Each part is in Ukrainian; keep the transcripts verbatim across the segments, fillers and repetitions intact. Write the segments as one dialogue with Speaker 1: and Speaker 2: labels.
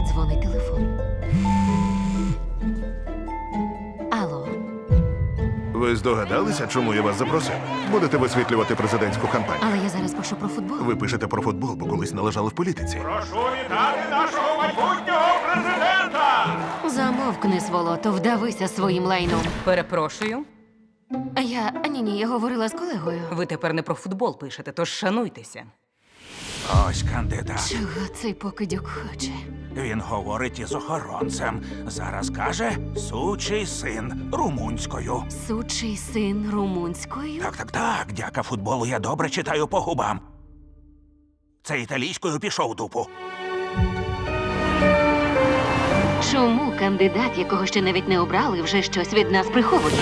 Speaker 1: Дзвонить телефон. Алло.
Speaker 2: Ви здогадалися, чому я вас запросив? Будете висвітлювати президентську кампанію.
Speaker 1: Але я зараз пишу про футбол.
Speaker 2: Ви пишете про футбол, бо колись належали в політиці.
Speaker 3: Прошу вітати нашого майбутнього президента!
Speaker 1: Замовкни, сволото, вдавися своїм лайном.
Speaker 4: Перепрошую,
Speaker 1: Я... Ні-ні, я говорила з колегою.
Speaker 4: ви тепер не про футбол пишете, тож шануйтеся.
Speaker 5: Ось кандидат.
Speaker 1: Чого цей покидьок хоче?
Speaker 5: Він говорить із охоронцем. Зараз каже «сучий син» румунською.
Speaker 1: Сучий син румунською?
Speaker 5: Так, так, так. Дяка футболу я добре читаю по губам. Це італійською пішов дупу.
Speaker 1: Чому кандидат, якого ще навіть не обрали, вже щось від нас приховує?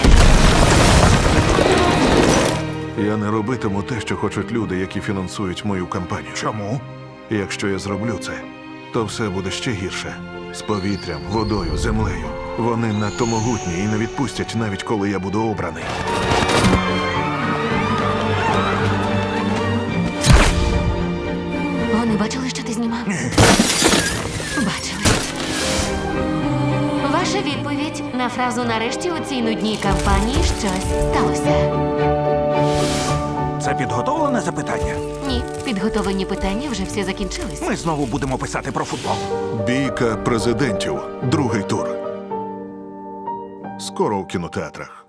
Speaker 2: Я не робитиму те, що хочуть люди, які фінансують мою кампанію.
Speaker 5: Чому?
Speaker 2: Якщо я зроблю це, то все буде ще гірше. З повітрям, водою, землею. Вони надто могутні і не відпустять, навіть коли я буду обраний.
Speaker 1: Вони бачили, що ти знімав? Бачили. Ваша відповідь на фразу «нарешті у цій нудній кампанії щось сталося».
Speaker 5: Це підготовлене запитання?
Speaker 1: Ні, підготовлені питання вже всі закінчились.
Speaker 5: Ми знову будемо писати про футбол.
Speaker 2: Бійка президентів. Другий тур. Скоро у кінотеатрах.